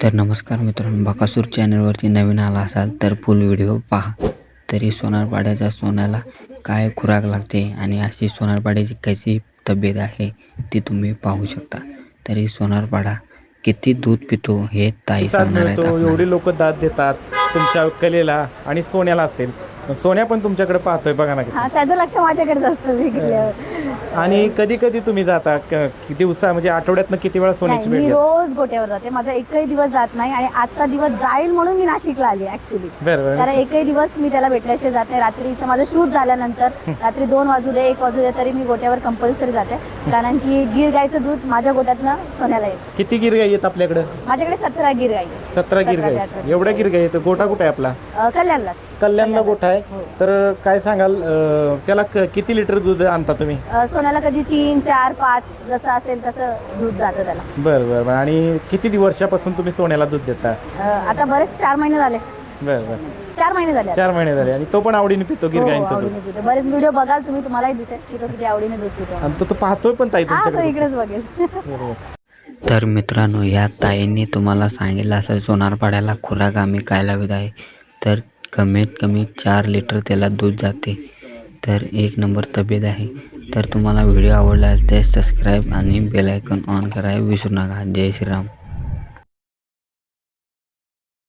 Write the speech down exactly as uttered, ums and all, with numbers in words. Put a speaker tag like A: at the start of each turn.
A: तर नमस्कार मित्रांनो, बकासूर चॅनलवरती नवीन आला असाल तर फुल व्हिडिओ पहा. तरी सोनारपाड्याच्या सोन्याला काय खुराक लागते आणि अशी सोनारपाड्याची कशी तब्येत आहे ती तुम्ही पाहू शकता. तरी सोनारपाडा किती दूध पितो हे ताई सांगणार आहेत आपल्याला.
B: एवढी लोक दाद देतात तुमच्या कलेला आणि सोन्याला असेल. सोन्या पण तुमच्याकडे पाहतोय बघा ना.
C: हा, त्याचं लक्ष माझ्याकडेच असतं विकल्यावर.
B: आणि कधी कधी तुम्ही जाता क- किती दिवसा म्हणजे आठवड्यातनं किती वेळा सोन्याची
C: नाही,
B: भेट
C: मी
B: घेता?
C: रोज गोट्यावर जाते. माझा एकही दिवस जात नाही आणि आजचा दिवस जाईल म्हणून मी नाशिकला आली ऍक्च्युली.
B: बरं बरं.
C: कारण एकही दिवस मी त्याला भेटल्याशिवाय जात नाही. रात्रीचं माझं शूट झाल्यानंतर रात्री दोन वाजू दे एक वाजू दे तरी मी गोट्यावर कंपल्सरी जाते. कारण की गीर गाईचं दूध माझ्या गोट्यातनं सोन्याला येतं.
B: किती गिरगाई आहेत आपल्याकडे?
C: माझ्याकडे सतरा गीर गाई आहेत.
B: सतरा गिरगाई.
C: अठरा.
B: एवढ्या गिरगाई आहेत. गोठा कुठे आहे आपला?
C: अं, कल्याणलाच
B: कल्याणला गोठा आहे.
C: हो.
B: तर काय सांगाल अं, त्याला क- किती लिटर दूध आणता तुम्ही?
C: अं, सोन्याला कधी तीन चार पाच जसं असेल तसं दूध जातं त्याला.
B: बरं बरं बरं. आणि किती वर्षापासून तुम्ही सोन्याला दूध देता?
C: अं, आता बरेच चार महिने झाले.
B: बरं बरं.
C: चार महिने झाले आता.
B: चार महिने झाले आणि तो पण आवडीने पितो
C: हो,
B: गिरगाईंचं दूध.
C: आवडीने पितो. बरेच व्हिडिओ बघाल तुम्ही, तुम्हालाही दिसेल की तो किती आवडीने दूध पितो.
B: आणि तो तो पाहतोय पण ताई
C: हा, तो
B: तुमच्याकडे.
C: इकडेच बघेल.
B: बरोबर.
A: तर मित्रांनो, ह्या ताईंनी तुम्हाला सांगितलं असं सोनारपाड्याला खुराक आम्ही काय लावत आहे. तर कमीत कमी चार लिटर त्याला दूध जाते. तर एक नंबर तब्येत आहे. तर तुम्हाला व्हिडिओ आवडला तर सबस्क्राईब आणि बेल आयकॉन ऑन करायला विसरू नका. जय श्रीराम.